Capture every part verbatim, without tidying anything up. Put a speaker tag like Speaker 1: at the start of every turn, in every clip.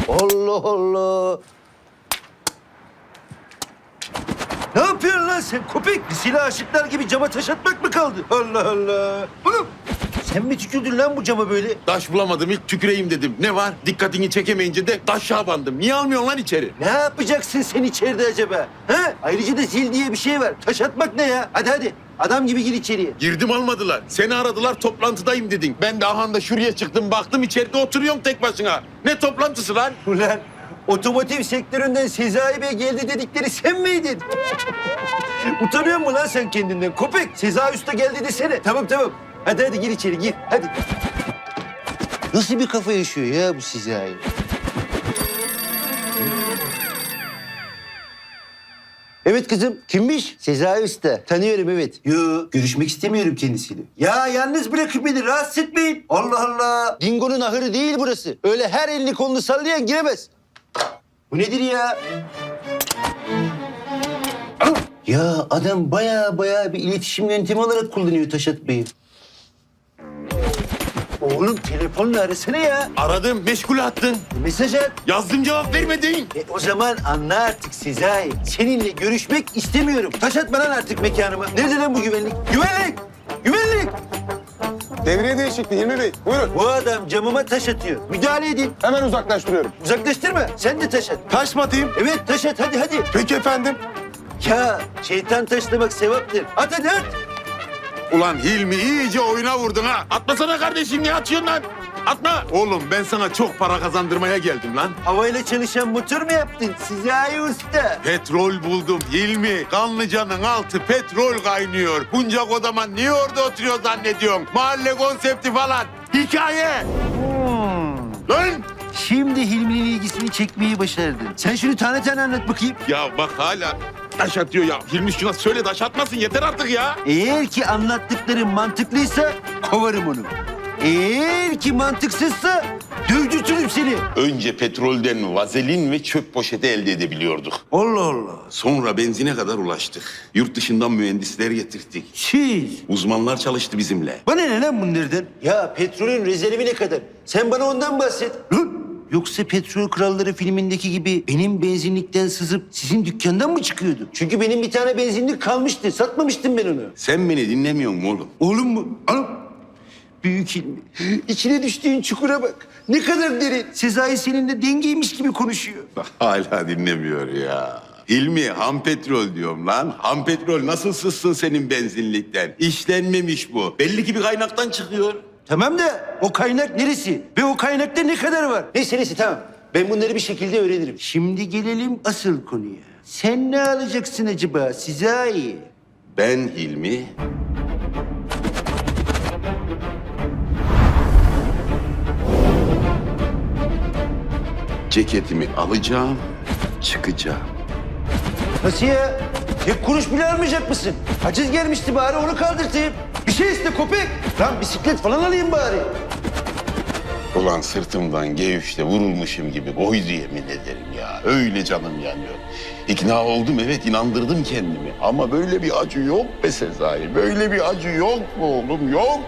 Speaker 1: Allah Allah. Ne yapıyorsun lan sen köpek? Silah aşıklar gibi cama taş atmak mı kaldı? Allah Allah. Oğlum sen mi tükürdün lan bu cama böyle?
Speaker 2: Taş bulamadım, ilk tüküreyim dedim. Ne var? Dikkatini çekemeyince de taşa bandım. Niye almıyorsun lan içeri?
Speaker 1: Ne yapacaksın sen içeride acaba? Ha? Ayrıca da zil diye bir şey var. Taş atmak ne ya? Hadi hadi. Adam gibi gir içeriye.
Speaker 2: Girdim almadılar. Seni aradılar, toplantıdayım dedin. Ben de ahanda şuraya çıktım, baktım içeride oturuyorum tek başına. Ne toplantısı lan?
Speaker 1: Ulan otomotiv sektöründen Sezai Bey geldi dedikleri sen miydin? Utanıyor musun lan sen kendinden? Köpek Sezai Usta geldi desene. Tamam tamam. Hadi hadi gir içeri gir. Hadi. Nasıl bir kafa yaşıyor ya bu Sezai? Evet kızım. Kimmiş? Sezai Usta. Tanıyorum evet. Yo, görüşmek istemiyorum kendisiyle. Ya yalnız bırakın beni. Rahatsız etmeyin. Allah Allah. Dingo'nun ahırı değil burası. Öyle her elini kolunu sallayan giremez. Bu nedir ya? Ya adam baya baya bir iletişim yöntemi olarak kullanıyor Taşat Bey'i. Oğlum telefonla arasana ya.
Speaker 2: Aradım, meşgule attın.
Speaker 1: Mesaj at.
Speaker 2: Yazdım, cevap vermedin.
Speaker 1: E, o zaman anla artık Sezai. Seninle görüşmek istemiyorum. Taş atma lan artık mekanıma. Nerede lan bu güvenlik? Güvenlik! Güvenlik!
Speaker 3: Devriye değişikliği Hilmi Bey. Buyurun.
Speaker 1: Bu adam camıma taş atıyor. Müdahale edin.
Speaker 3: Hemen uzaklaştırıyorum.
Speaker 1: Uzaklaştırma. Sen de taş at.
Speaker 3: Taş mı atayım?
Speaker 1: Evet taş at hadi hadi.
Speaker 3: Peki efendim.
Speaker 1: Ya şeytan taşlamak sevaptır. At hadi at.
Speaker 2: Ulan Hilmi iyice oyuna vurdun ha. Atmasana kardeşim, niye atıyorsun lan? Atma. Oğlum ben sana çok para kazandırmaya geldim lan.
Speaker 1: Havayla çalışan motor mu yaptın Sezai Usta?
Speaker 2: Petrol buldum Hilmi. Kanlıca'nın altı petrol kaynıyor. Bunca kodaman niye orada oturuyor zannediyorsun? Mahalle konsepti falan. Hikaye.
Speaker 1: Hmm.
Speaker 2: Lan.
Speaker 1: Şimdi Hilmi'nin ilgisini çekmeyi başardın. Sen şunu tane tane anlat bakayım.
Speaker 2: Ya bak hala taş atıyor ya. Hilmi şuna söyle, taş atmasın yeter artık ya.
Speaker 1: Eğer ki anlattıkların mantıklıysa kovarım onu. Eğer ki mantıksızsa dövdürtürüm seni.
Speaker 2: Önce petrolden vazelin ve çöp poşeti elde edebiliyorduk.
Speaker 1: Allah Allah.
Speaker 2: Sonra benzine kadar ulaştık. Yurt dışından mühendisler getirdik.
Speaker 1: Siz.
Speaker 2: Uzmanlar çalıştı bizimle.
Speaker 1: Bana ne lan bunlardan? Ya petrolün rezervi ne kadar? Sen bana ondan bahset. Hı? Yoksa Petrol Kralları filmindeki gibi benim benzinlikten sızıp sizin dükkandan mı çıkıyordu? Çünkü benim bir tane benzinlik kalmıştı. Satmamıştım ben onu.
Speaker 2: Sen beni dinlemiyor musun oğlum?
Speaker 1: Oğlum mu? Oğlum. Büyük ilmi. İçine düştüğün çukura bak. Ne kadar derin. Sezai seninle dengeymiş gibi konuşuyor.
Speaker 2: Hala dinlemiyor ya. Hilmi, ham petrol diyorum lan. Ham petrol nasıl sızsın senin benzinlikten? İşlenmemiş bu. Belli ki bir kaynaktan çıkıyor.
Speaker 1: Tamam da o kaynak neresi? Ve o kaynakta ne kadar var? Neyse neyse tamam. Ben bunları bir şekilde öğrenirim. Şimdi gelelim asıl konuya. Sen ne alacaksın acaba Sezai?
Speaker 2: Ben Hilmi... Ceketimi alacağım, çıkacağım.
Speaker 1: Nasıl ya? Tek kuruş bile almayacak mısın? Haciz gelmişti bari onu kaldırtayım. Bir şey iste köpek. Lan bisiklet falan alayım bari.
Speaker 2: Ulan sırtımdan G üçte vurulmuşum gibi koydu yemin ederim ya. Öyle canım yanıyor. İkna oldum evet, inandırdım kendimi. Ama böyle bir acı yok be Sezai. Böyle bir acı yok mu oğlum, yok.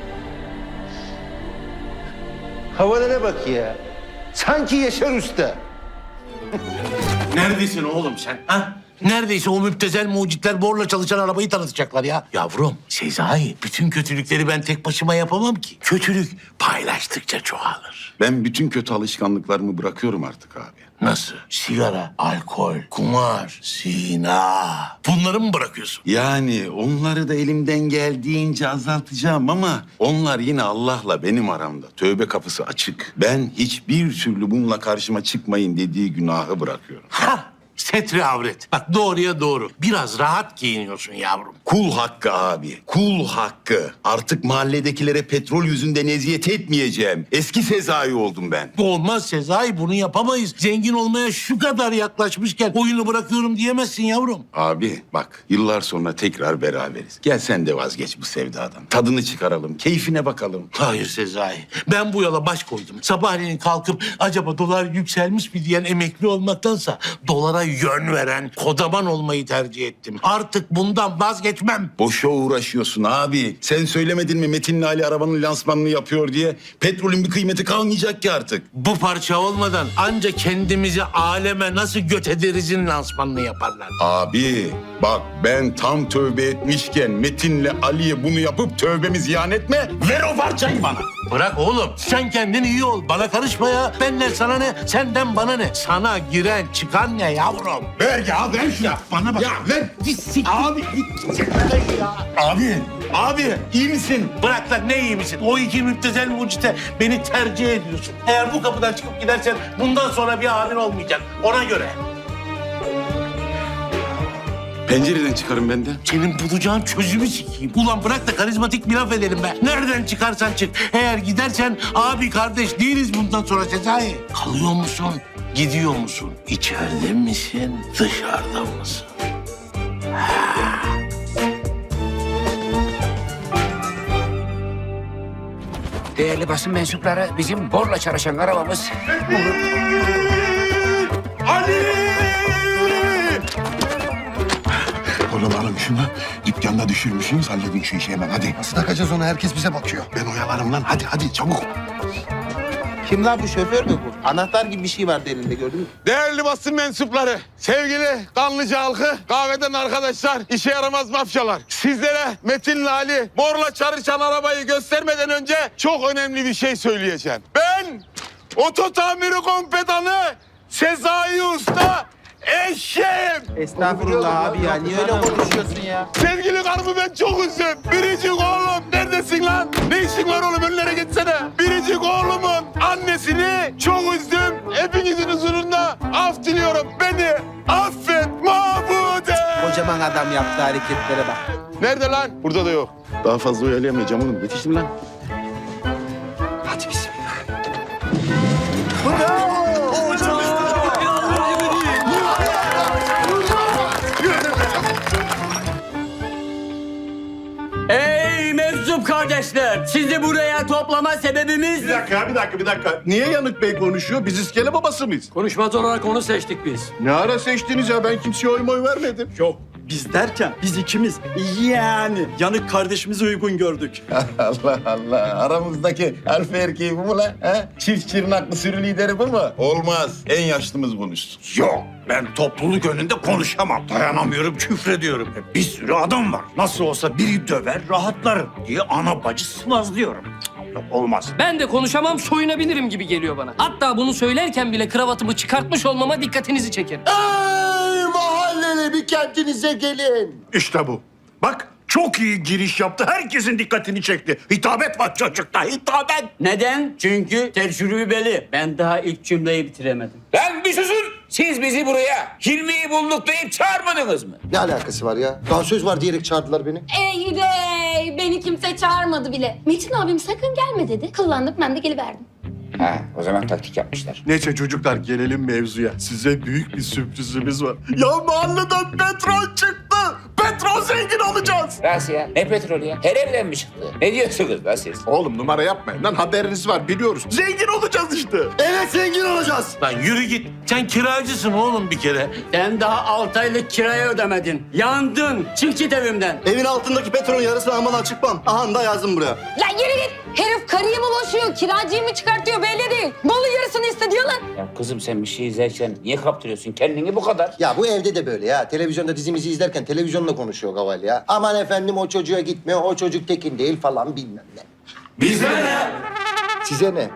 Speaker 1: Havalara bak ya. Sanki Yaşar Usta.
Speaker 4: Neredesin oğlum sen? Ha? Neredeyse o müptezel mucitler borla çalışan arabayı tanıtacaklar ya. Yavrum, Sezai, bütün kötülükleri ben tek başıma yapamam ki. Kötülük paylaştıkça çoğalır.
Speaker 2: Ben bütün kötü alışkanlıklarımı bırakıyorum artık abi.
Speaker 4: Nasıl? Sigara, alkol, kumar, zina. Bunları mı bırakıyorsun?
Speaker 2: Yani onları da elimden geldiğince azaltacağım ama onlar yine Allah'la benim aramda. Tövbe kapısı açık. Ben hiçbir türlü bununla karşıma çıkmayın dediği günahı bırakıyorum.
Speaker 4: Ha! Setri avret. Bak doğruya doğru. Biraz rahat giyiniyorsun yavrum.
Speaker 2: Kul hakkı abi, kul hakkı. Artık mahalledekilere petrol yüzünden eziyet etmeyeceğim. Eski Sezai oldum ben.
Speaker 4: Olmaz Sezai, bunu yapamayız. Zengin olmaya şu kadar yaklaşmışken oyunu bırakıyorum diyemezsin yavrum.
Speaker 2: Abi bak, yıllar sonra tekrar beraberiz. Gel sen de vazgeç bu sevdadan. Tadını çıkaralım, keyfine bakalım.
Speaker 4: Hayır Sezai, ben bu yola baş koydum. Sabahleyin kalkıp acaba dolar yükselmiş mi diyen emekli olmaktansa dolara yön veren kodaman olmayı tercih ettim. Artık bundan vazgeçmem.
Speaker 2: Boşa uğraşıyorsun abi. Sen söylemedin mi Metin'le Ali arabanın lansmanını yapıyor diye? Petrolün bir kıymeti kalmayacak ki artık.
Speaker 4: Bu parça olmadan anca kendimizi aleme nasıl göt ederizin lansmanını yaparlar.
Speaker 2: Abi bak ben tam tövbe etmişken Metin'le Ali'ye bunu yapıp tövbemi ziyan etme. Ver o parçayı bana.
Speaker 4: Bırak oğlum. Sen kendin iyi ol. Bana karışma ya. Benden sana ne? Senden bana ne? Sana giren çıkan ne yavrum?
Speaker 2: Ver ya ver şunu. Bana bak. Ya ver. Abi. Abi. Abi iyi misin?
Speaker 4: Bırak lan ne iyi misin? O iki müptezel mucite beni tercih ediyorsun. Eğer bu kapıdan çıkıp gidersen bundan sonra bir halin olmayacak. Ona göre.
Speaker 2: Pencereden çıkarım ben de.
Speaker 4: Senin bulacağın çözümü sikeyim. Ulan bırak da karizmatik bir laf edelim be. Nereden çıkarsan çık. Eğer gidersen abi kardeş değiliz bundan sonra Sezai. Kalıyor musun? Gidiyor musun? İçeride misin? Dışarıda mısın?
Speaker 5: Değerli basın mensupları, bizim borla çalışan arabamız...
Speaker 6: Oğlum alın şunu. Dükkanda düşürmüşsünüz. Halledin şu işi hemen hadi.
Speaker 3: Nasıl takacağız onu? Herkes bize bakıyor.
Speaker 6: Ben oyalarım lan. Hadi hadi çabuk.
Speaker 7: Kim lan bu, şoför mü bu? Anahtar gibi bir şey vardı elinde, gördün mü?
Speaker 3: Değerli basın mensupları, sevgili Kanlıca halkı, kahveden arkadaşlar, işe yaramaz mafyalar. Sizlere Metin'le Ali morla çalışan arabayı göstermeden önce çok önemli bir şey söyleyeceğim. Ben oto tamiri kompetanı Sezai Usta eşeğim.
Speaker 7: Estağfurullah abi ya, niye öyle konuşuyorsun ya?
Speaker 3: Sevgili karımı ben çok üzdüm. Biricik oğlum neredesin lan? Ne işin var oğlum, önlere gitsene. Biricik oğlumun annesini çok üzdüm. Hepinizin huzurunda af diliyorum. Beni affet Mahmude.
Speaker 7: Kocaman adam yaptı hareketlere bak.
Speaker 3: Nerede lan? Burada da yok.
Speaker 2: Daha fazla oyalayamayacağım oğlum. Yetiştim lan.
Speaker 3: Hadi bismillah.
Speaker 8: Ey meczup kardeşler! Sizi buraya toplama sebebimiz...
Speaker 6: Bir dakika bir dakika bir dakika. Niye Yanık Bey konuşuyor? Biz iskele babası mıyız?
Speaker 8: Konuşmaz olarak onu seçtik biz.
Speaker 6: Ne ara seçtiniz ya? Ben kimseye oy moy vermedim.
Speaker 9: Yok biz derken biz ikimiz yani Yanık kardeşimizi uygun gördük.
Speaker 2: Allah Allah. Aramızdaki alfa erkeği bu mu lan? He? Çift çırnaklı sürü lideri bu mu? Olmaz. En yaşlımız konuşsun.
Speaker 9: Yok ben topluluk önünde konuşamam. Dayanamıyorum, küfrediyorum. Bir sürü adam var. Nasıl olsa biri döver rahatlarım diye ana bacı sıvazlıyorum. Yok olmaz.
Speaker 8: Ben de konuşamam, soyunabilirim gibi geliyor bana. Hatta bunu söylerken bile kravatımı çıkartmış olmama dikkatinizi çekerim.
Speaker 6: Mahalleli bir kendinize gelin. İşte bu. Bak çok iyi giriş yaptı. Herkesin dikkatini çekti. Hitabet var çocukta, hitabet.
Speaker 8: Neden? Çünkü tecrübeli. Ben daha ilk cümleyi bitiremedim.
Speaker 5: Lan bir susun! Siz bizi buraya Hilmi'yi bulduk deyip çağırmadınız mı?
Speaker 10: Ne alakası var ya? Dansöz var diyerek çağırdılar beni.
Speaker 11: Ey bey, beni kimse çağırmadı bile. Metin abim sakın gelme dedi. Kıllandık, ben de geliverdim.
Speaker 5: Ha, o zaman taktik yapmışlar.
Speaker 6: Neyse çocuklar gelelim mevzuya. Size büyük bir sürprizimiz var. Ya mahalleden petrol çıktı. Petrol zengin olacağız.
Speaker 5: Nasıl ya? Ne petrolü ya? Her evden mi çıktı? Ne diyorsunuz lan siz?
Speaker 6: Oğlum numara yapmayın lan, haberiniz var biliyoruz. Zengin olacağız işte.
Speaker 10: Evet zengin olacağız.
Speaker 4: Lan yürü git. Sen kiracısın oğlum bir kere.
Speaker 8: Sen daha altı aylık kirayı ödemedin. Yandın. Çık git evimden.
Speaker 10: Evin altındaki petrolün yarısını almadan çıkmam. Aha da yazdım buraya.
Speaker 11: Lan yürü git. Herif karıyı mı boşuyor, kiracıyı mı çıkartıyor belli değil. Malı yarısını istediyor lan.
Speaker 5: Ya kızım sen bir şey izlerken niye kaptırıyorsun kendini bu kadar?
Speaker 10: Ya bu evde de böyle ya. Televizyonda dizimizi izlerken televizyonla konuşuyor Gaval ya. Aman efendim o çocuğa gitmiyor, o çocuk tekin değil falan bilmem ne.
Speaker 6: Bize ne?
Speaker 10: Size ne?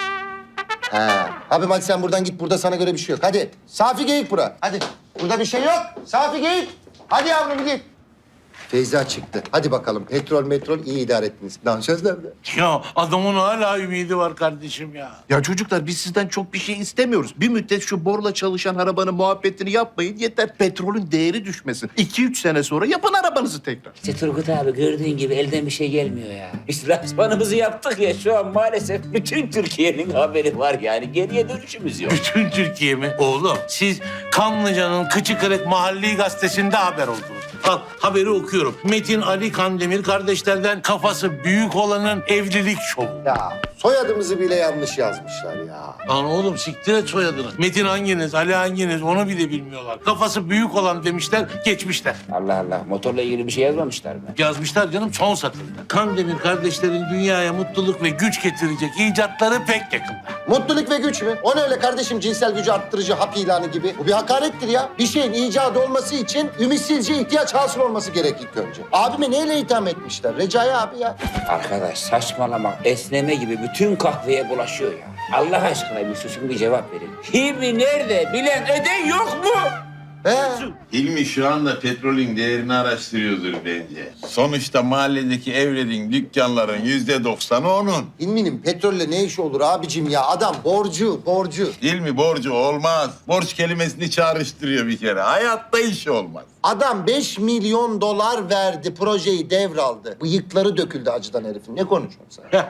Speaker 10: Ha. Abim hadi sen buradan git. Burada sana göre bir şey yok. Hadi. Safi geyik bura. Hadi. Burada bir şey yok. Safi geyik. Hadi yavrum git. Feyza çıktı. Hadi bakalım. Petrol metrol iyi idare ettiniz. Dansöz nerede?
Speaker 4: Ya adamın hala ümidi var kardeşim ya.
Speaker 7: Ya çocuklar biz sizden çok bir şey istemiyoruz. Bir müddet şu borla çalışan arabanın muhabbetini yapmayın. Yeter petrolün değeri düşmesin. İki üç sene sonra yapın arabanızı tekrar.
Speaker 5: İşte Turgut abi gördüğün gibi elden bir şey gelmiyor ya. Biz lansmanımızı yaptık ya şu an maalesef bütün Türkiye'nin haberi var yani. Geriye dönüşümüz yok.
Speaker 4: Bütün Türkiye mi? Oğlum siz Kanlıca'nın Kıçı Kırık Mahalli Gazetesi'nde haber oldunuz. Al haberi okuyorum. Metin Ali Kandemir kardeşlerden kafası büyük olanın evlilik şovu.
Speaker 10: Ya soyadımızı bile yanlış yazmışlar ya.
Speaker 4: Lan oğlum siktir et soyadını. Metin hanginiz, Ali hanginiz onu bile bilmiyorlar. Kafası büyük olan demişler, geçmişler.
Speaker 5: Allah Allah, motorla ilgili bir şey yazmamışlar mı?
Speaker 4: Yazmışlar canım son satırda. Kandemir kardeşlerin dünyaya mutluluk ve güç getirecek icatları pek yakında.
Speaker 10: Mutluluk ve güç mü? O ne öyle kardeşim, cinsel gücü arttırıcı hap ilanı gibi? Bu bir hakarettir ya. Bir şeyin icadı olması için ümitsizce ihtiyaç hasıl olması gerek ilk önce. Abime neyle itham etmişler? Recai abi ya.
Speaker 5: Arkadaş saçmalamak, esneme gibi bütün kahveye bulaşıyor ya. Allah aşkına bir susun bir cevap verin. Hilmi nerede? Bilen eden yok mu?
Speaker 10: He?
Speaker 2: Hilmi şu anda petrolün değerini araştırıyordur bence. Sonuçta mahalledeki evlerin, dükkanların yüzde doksanı onun.
Speaker 10: İlminin petrolle ne işi olur abicim ya? Adam borcu, borcu.
Speaker 2: Hilmi borcu olmaz. Borç kelimesini çağrıştırıyor bir kere. Hayatta iş olmaz.
Speaker 10: Adam beş milyon dolar verdi, projeyi devraldı. Bıyıkları döküldü acıdan herifin. Ne konuşuyorsun sen?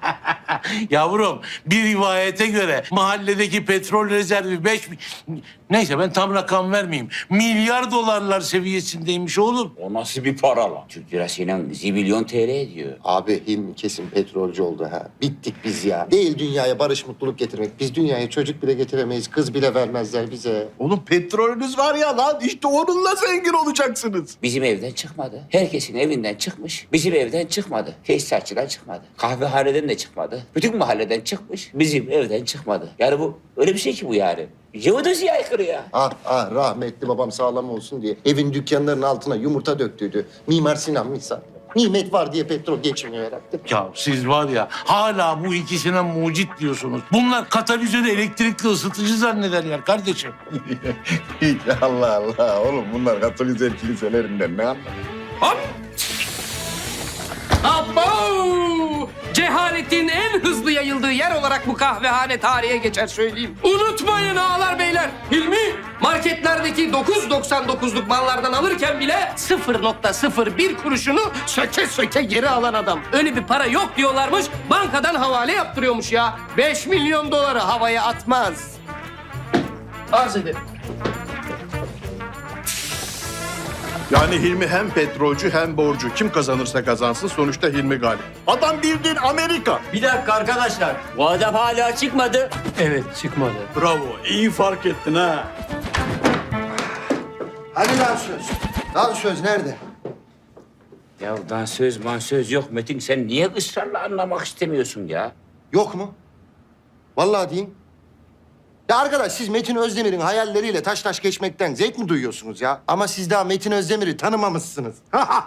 Speaker 4: Yavrum bir rivayete göre mahalledeki petrol rezervi beş... Neyse ben tam rakam vermeyeyim. Milyar dolarlar seviyesindeymiş oğlum.
Speaker 5: O nasıl bir para lan? Türk lirasıyla zibilyon T L ediyor.
Speaker 10: Abi Hilmi kesin petrolcü oldu ha. Bittik biz ya. Değil dünyaya barış mutluluk getirmek. Biz dünyaya çocuk bile getiremeyiz. Kız bile vermezler bize.
Speaker 7: Oğlum petrolünüz var ya lan, işte onunla zengin olacaksınız.
Speaker 5: Bizim evden çıkmadı. Herkesin evinden çıkmış. Bizim evden çıkmadı. Tesisatçıdan çıkmadı. Kahvehaneden de çıkmadı. Bütün mahalleden çıkmış. Bizim evden çıkmadı. Yani bu öyle bir şey ki bu yani. Jeodesiye aykırı ya.
Speaker 10: Ah ah rahmetli babam sağlam olsun diye evin dükkanlarının altına yumurta döktüydü. Mimar Sinan misal. Nimet var diye petrol geçmiyor herhalde.
Speaker 4: Ya siz var ya hala bu ikisine mucit diyorsunuz. Bunlar katalizörü elektrikli ısıtıcı zannederler kardeşim.
Speaker 2: Allah Allah. Oğlum bunlar Katolik kiliselerinden ne anlar?
Speaker 8: Hop! Abo! Cehaletin en hızlı yayıldığı yer olarak bu kahvehane tarihe geçer söyleyeyim. Unutmayın ağalar beyler. Hilmi marketlerdeki dokuz doksan dokuzluk mallardan alırken bile sıfır nokta sıfır bir kuruşunu söke söke geri alan adam. Öyle bir para yok diyorlarmış. Bankadan havale yaptırıyormuş ya. beş milyon doları havaya atmaz. Arz ederim.
Speaker 7: Yani Hilmi hem petrolcü hem borcu. Kim kazanırsa kazansın sonuçta Hilmi galip. Adam bildiğin Amerika.
Speaker 9: Bir dakika arkadaşlar.
Speaker 5: Bu adam hala çıkmadı.
Speaker 8: Evet çıkmadı.
Speaker 9: Bravo. İyi fark ettin ha.
Speaker 10: Hadi lan söz. Lan söz nerede?
Speaker 5: Ya dansöz mansöz yok Metin. Sen niye ısrarla anlamak istemiyorsun ya?
Speaker 10: Yok mu? Vallahi diyeyim. Ya arkadaş siz Metin Özdemir'in hayalleriyle taş taş geçmekten zevk mi duyuyorsunuz ya? Ama siz daha Metin Özdemir'i tanımamışsınız.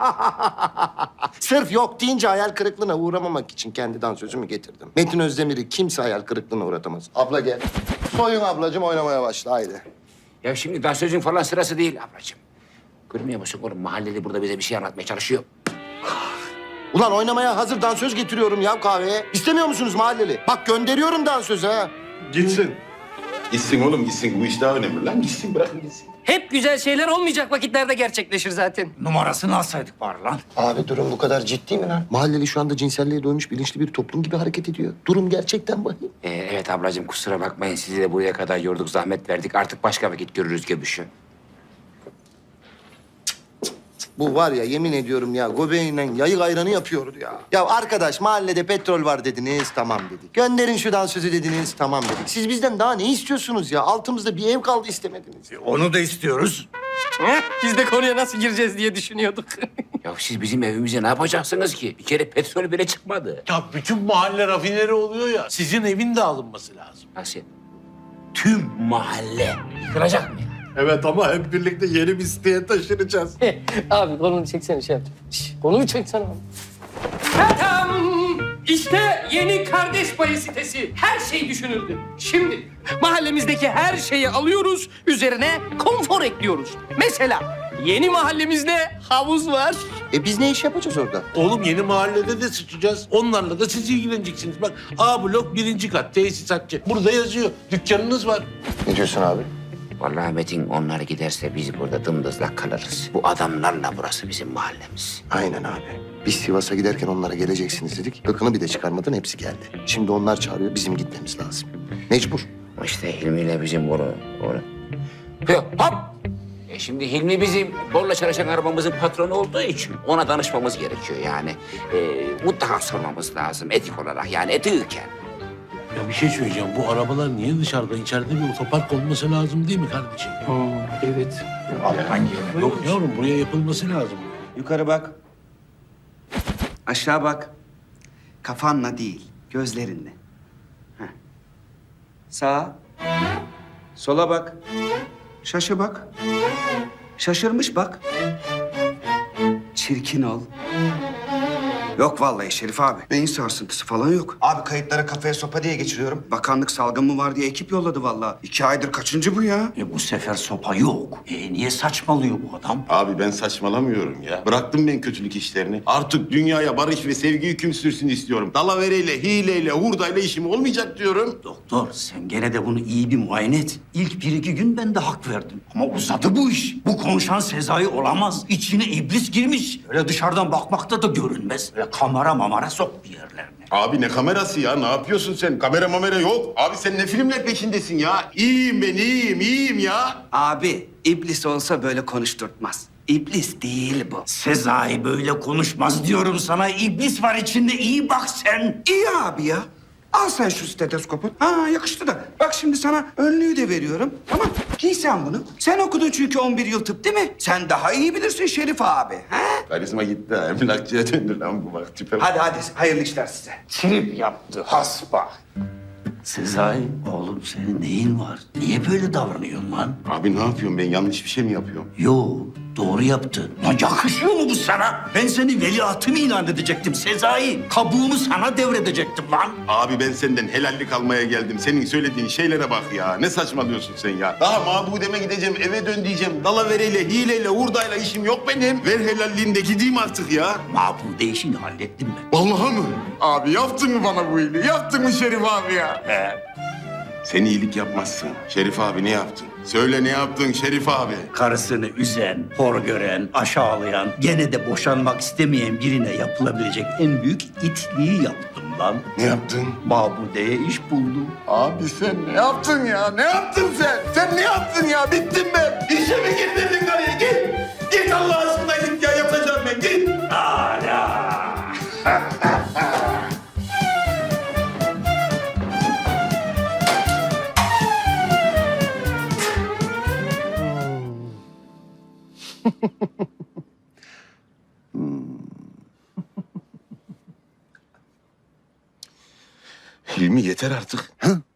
Speaker 10: Sırf yok deyince hayal kırıklığına uğramamak için kendi dansözümü getirdim. Metin Özdemir'i kimse hayal kırıklığına uğratamaz. Abla gel. Soyun ablacığım oynamaya başla haydi.
Speaker 5: Ya şimdi dansözün falan sırası değil ablacığım. Görmüyor musun oğlum mahalleli burada bize bir şey anlatmaya çalışıyor.
Speaker 10: Ulan oynamaya hazır dansöz getiriyorum ya kahveye. İstemiyor musunuz mahalleli? Bak gönderiyorum dansözü ha.
Speaker 7: Gitsin.
Speaker 2: Gitsin oğlum gitsin. Bu iş daha önemli lan. Gitsin bırakın gitsin.
Speaker 8: Hep güzel şeyler olmayacak vakitlerde gerçekleşir zaten.
Speaker 9: Numarasını alsaydık bari lan.
Speaker 10: Abi durum bu kadar ciddi mi lan? Mahalleli şu anda cinselliğe doymuş bilinçli bir toplum gibi hareket ediyor. Durum gerçekten vahim.
Speaker 5: Ee, evet ablacığım kusura bakmayın sizi de buraya kadar yorduk zahmet verdik. Artık başka vakit görürüz göbüşü.
Speaker 10: Bu var ya yemin ediyorum ya göbeğiyle yayık ayranı yapıyor ya. Ya arkadaş mahallede petrol var dediniz tamam dedik. Gönderin şu dansözü dediniz tamam dedik. Siz bizden daha ne istiyorsunuz ya? Altımızda bir ev kaldı istemediniz.
Speaker 9: Onu da istiyoruz.
Speaker 8: Biz de konuya nasıl gireceğiz diye düşünüyorduk.
Speaker 5: Ya siz bizim evimize ne yapacaksınız ki? Bir kere petrol bile çıkmadı.
Speaker 4: Ya bütün mahalle rafineri oluyor ya. Sizin evin de alınması lazım.
Speaker 5: Nasıl? Tüm mahalle yıkılacak mı?
Speaker 7: Evet ama hep birlikte yeni bir siteye taşınacağız.
Speaker 8: Abi kolunu çeksene şey yapacağım. Şş, konumu çeksene abi. Tatam! İşte yeni kardeş payı sitesi. Her şey düşünüldü. Şimdi mahallemizdeki her şeyi alıyoruz, üzerine konfor ekliyoruz. Mesela yeni mahallemizde havuz var.
Speaker 10: E biz ne iş yapacağız orada?
Speaker 4: Oğlum yeni mahallede de sıçacağız. Onlarla da siz ilgileneceksiniz. Bak A blok birinci kat tesisatçı. Burada yazıyor. Dükkanınız var.
Speaker 10: Ne diyorsun abi?
Speaker 5: Vallahi Metin onlar giderse biz burada dımdızlak kalırız. Bu adamlarla burası bizim mahallemiz.
Speaker 10: Aynen abi. Biz Sivas'a giderken onlara geleceksiniz dedik. Gıkını bir de çıkarmadan hepsi geldi. Şimdi onlar çağırıyor bizim gitmemiz lazım. Mecbur.
Speaker 5: İşte Hilmi ile bizim bunu... onu... Yok, hop! E şimdi Hilmi bizim borla çalışan arabamızın patronu olduğu için ona danışmamız gerekiyor yani. E, mutlaka sormamız lazım etik olarak yani etikken.
Speaker 4: Ya bir şey söyleyeceğim. Bu arabalar niye dışarıda? İçeride bir otopark olması lazım değil mi kardeşim?
Speaker 8: Evet.
Speaker 4: Yok yavrum buraya yapılması lazım.
Speaker 12: Yukarı bak. Aşağı bak. Kafanla değil, gözlerinle. Heh. Sağa. Sola bak. Şaşı bak. Şaşırmış bak. Çirkin ol. Yok vallahi Şerif abi. Beyin sarsıntısı falan yok. Abi kayıtlara kafaya sopa diye geçiriyorum. Bakanlık salgın mı var diye ekip yolladı vallahi. İki aydır kaçıncı bu ya?
Speaker 9: E bu sefer sopa yok. E niye saçmalıyor bu adam?
Speaker 2: Abi ben saçmalamıyorum ya. Bıraktım ben kötülük işlerini. Artık dünyaya barış ve sevgi hüküm sürsün istiyorum. Dalavereyle, hileyle, hurdayla işim olmayacak diyorum.
Speaker 9: Doktor sen gene de bunu iyi bir muayene et. İlk bir iki gün ben de hak verdim. Ama uzadı bu iş. Bu konuşan Sezai olamaz. İçine iblis girmiş. Öyle dışarıdan bakmakta da görünmez. Öyle kamera mamara sok bir yerlerine.
Speaker 2: Abi ne kamerası ya? Ne yapıyorsun sen? Kamera mamera yok. Abi sen ne filmler peşindesin ya? İyiyim ben, iyiyim, iyiyim ya.
Speaker 12: Abi iblis olsa böyle konuşturtmaz. İblis değil bu.
Speaker 9: Sezai böyle konuşmaz diyorum sana. İblis var içinde. İyi bak sen.
Speaker 12: İyi abi ya. Al sen şu stetoskopu. Ha yakıştı da. Bak şimdi sana önlüğü de veriyorum. Tamam giy sen bunu. Sen okudun çünkü on bir yıl tıp değil mi? Sen daha iyi bilirsin Şerif abi. Ha?
Speaker 2: Karizma gitti ha. Emlakçıya döndü lan bu bak. Tipe bak.
Speaker 12: Hadi hadi hayırlı işler size.
Speaker 9: Trip yaptı hasba. Sezai oğlum senin neyin var? Niye böyle davranıyorsun lan?
Speaker 2: Abi ne yapıyorum ben? Yanlış bir şey mi yapıyorum?
Speaker 9: Yo doğru yaptı. Lan yakışıyor mu bu sana? Ben seni veliahtım ilan edecektim Sezai. Kabuğumu sana devredecektim lan.
Speaker 2: Abi ben senden helallik almaya geldim. Senin söylediğin şeylere bak ya. Ne saçmalıyorsun sen ya? Daha mabudeme gideceğim, eve dön diyeceğim. Dalavereyle, hileyle, hurdayla işim yok benim. Ver helalliğinde gideyim artık ya.
Speaker 9: Mabude işini hallettim ben.
Speaker 2: Vallahi mı? Abi yaptın mı bana bu iyiliği? Yaptın mı Şerif abi ya?
Speaker 9: He.
Speaker 2: Sen iyilik yapmazsın. Şerif abi ne yaptın? Söyle ne yaptın Şerif abi?
Speaker 9: Karısını üzen, hor gören, aşağılayan, gene de boşanmak istemeyen birine yapılabilecek en büyük itliği yaptım lan.
Speaker 2: Ne yaptın?
Speaker 9: Mabude'ye iş buldum.
Speaker 2: Abi sen ne yaptın ya? Ne yaptın sen? Sen ne yaptın ya? Bittim ben. İşe mi girdirdin karıya? Git. Git Allah aşkına git ya. Yapacağım ben. Git.
Speaker 9: Hala.
Speaker 2: Hilmi yeter artık.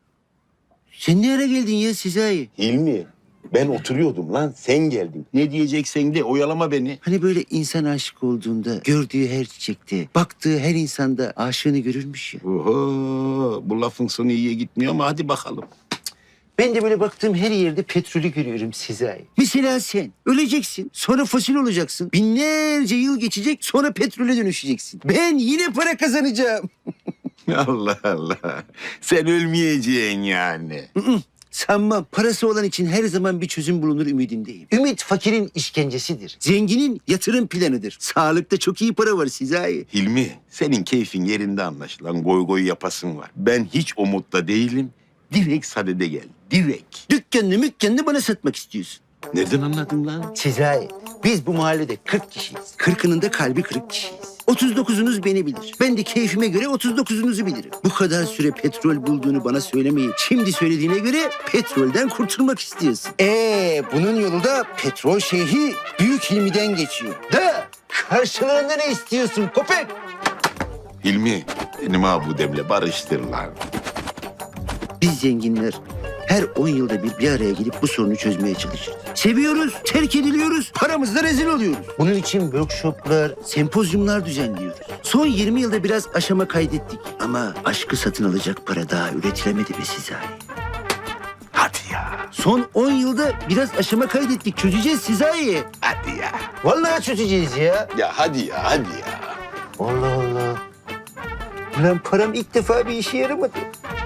Speaker 1: Sen ne ara geldin ya Sezai?
Speaker 2: Hilmi ben oturuyordum lan. Sen geldin. Ne diyeceksen de oyalama beni.
Speaker 1: Hani böyle insan aşık olduğunda gördüğü her çiçekte, baktığı her insanda aşığını görürmüş ya.
Speaker 2: Oho, bu lafın sonu iyiye gitmiyor ama hadi bakalım.
Speaker 1: Ben de böyle baktığım her yerde petrolü görüyorum Sezai. Mesela sen öleceksin, sonra fosil olacaksın. Binlerce yıl geçecek, sonra petrole dönüşeceksin. Ben yine para kazanacağım.
Speaker 2: Allah Allah. Sen ölmeyeceksin yani.
Speaker 1: Sanmam. Parası olan için her zaman bir çözüm bulunur ümidindeyim. Ümit fakirin işkencesidir. Zenginin yatırım planıdır. Sağlıkta çok iyi para var Sezai.
Speaker 2: Hilmi, senin keyfin yerinde anlaşılan. Goy goy yapasın var. Ben hiç o modda değilim. Direkt sadede gel. Direkt.
Speaker 1: Dükkanını mükkanını bana satmak istiyorsun.
Speaker 2: Nereden anladın lan?
Speaker 1: Sezai, biz bu mahallede kırk kişiyiz. Kırkının da kalbi kırık kişiyiz. Otuz dokuzunuz beni bilir. Ben de keyfime göre otuz dokuzunuzu bilirim. Bu kadar süre petrol bulduğunu bana söylemeyip şimdi söylediğine göre petrolden kurtulmak istiyorsun. Ee, bunun yolu da petrol şeyhi Büyük Hilmi'den geçiyor. Da karşılığında ne istiyorsun köpek?
Speaker 2: Hilmi, benim abudemle barıştır lan.
Speaker 1: Biz zenginler her on yılda bir bir araya gelip bu sorunu çözmeye çalışırız. Seviyoruz, terk ediliyoruz, paramızla rezil oluyoruz. Bunun için workshoplar, sempozyumlar düzenliyoruz. Son yirmi yılda biraz aşama kaydettik. Ama aşkı satın alacak para daha üretilemedi be Sezai.
Speaker 2: Hadi ya.
Speaker 1: Son on yılda biraz aşama kaydettik. Çözeceğiz Sezai.
Speaker 2: Hadi ya.
Speaker 1: Vallahi çözeceğiz ya.
Speaker 2: Ya hadi ya, hadi ya.
Speaker 1: Allah Allah. Ulan param ilk defa bir işe yaramadı.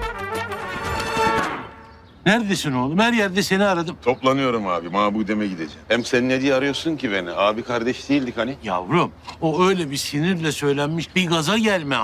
Speaker 4: Neredesin oğlum? Her yerde seni aradım.
Speaker 2: Toplanıyorum abi, mabudeme gideceğim. Hem sen ne diye arıyorsun ki beni? Abi kardeş değildik hani.
Speaker 4: Yavrum, o öyle bir sinirle söylenmiş bir gaza gelme anı.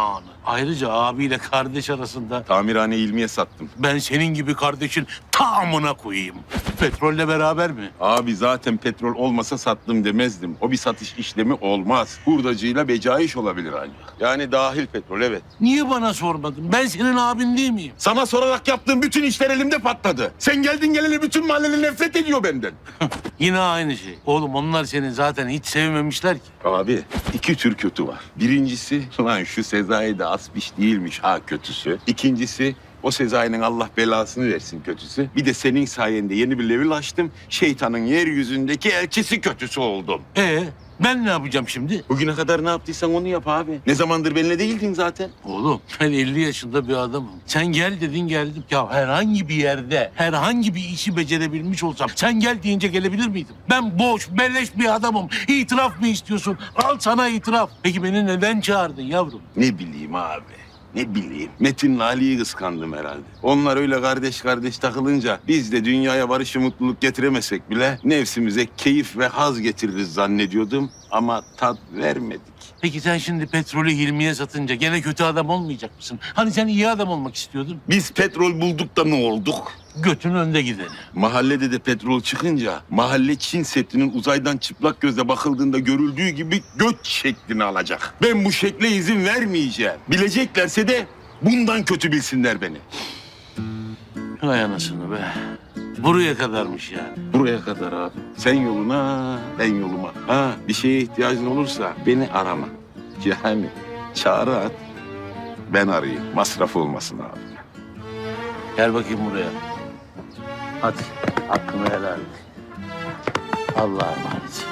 Speaker 4: Ayrıca abiyle kardeş arasında
Speaker 2: Tamirhane ilmiye sattım.
Speaker 4: ben senin gibi kardeşin tamamına koyayım. Petrolle beraber mi?
Speaker 2: Abi zaten petrol olmasa sattım demezdim. O bir satış işlemi olmaz. Hurdacıyla becaiş olabilir ancak. Yani dahil petrol evet.
Speaker 4: Niye bana sormadın? Ben senin abin değil miyim?
Speaker 2: Sana sorarak yaptığım bütün işler elimde patladı. Sen geldin geleli bütün mahallenin nefret ediyor benden.
Speaker 4: Yine aynı şey. Oğlum onlar seni zaten hiç sevmemişler ki.
Speaker 2: Abi iki tür kötü var. Birincisi lan şu Sezai de asbiş değilmiş ha kötüsü. İkincisi o Sezai'nin Allah belasını versin kötüsü. Bir de senin sayende yeni bir level açtım. Şeytanın yeryüzündeki elçisi kötüsü oldum.
Speaker 4: Ee, ben ne yapacağım şimdi?
Speaker 2: Bugüne kadar ne yaptıysan onu yap abi. Ne zamandır benimle değildin zaten.
Speaker 4: Oğlum ben elli yaşında bir adamım. Sen gel dedin geldim. Ya herhangi bir yerde herhangi bir işi becerebilmiş olsam sen gel deyince gelebilir miydim? Ben boş, beleş bir adamım. İtiraf mı istiyorsun? Al sana itiraf. Peki beni neden çağırdın yavrum?
Speaker 2: Ne bileyim abi. Ne bileyim. Metin'le Ali'yi kıskandım herhalde. Onlar öyle kardeş kardeş takılınca biz de dünyaya barışı mutluluk getiremesek bile nefsimize keyif ve haz getiririz zannediyordum ama tat vermedik.
Speaker 4: Peki sen şimdi petrolü Hilmi'ye satınca gene kötü adam olmayacak mısın? Hani sen iyi adam olmak istiyordun.
Speaker 2: Biz petrol bulduk da ne olduk?
Speaker 4: Götün önde gideni.
Speaker 2: Mahallede de petrol çıkınca mahalle Çin Seddi'nin uzaydan çıplak gözle bakıldığında görüldüğü gibi göç şeklini alacak. Ben bu şekle izin vermeyeceğim. Bileceklerse de bundan kötü bilsinler beni.
Speaker 4: Hay anasını be. Buraya kadarmış yani.
Speaker 2: Buraya kadar abi. Sen yoluna, ben yoluma. Ha bir şeye ihtiyacın olursa beni arama. Yani çağrı at, ben arayayım. Masraf olmasın abi.
Speaker 4: Gel bakayım buraya. Hadi hakkını helal et. Allah'a emanet.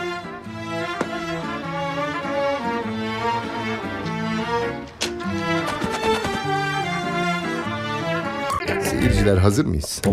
Speaker 13: Seyirciler hazır mıyız?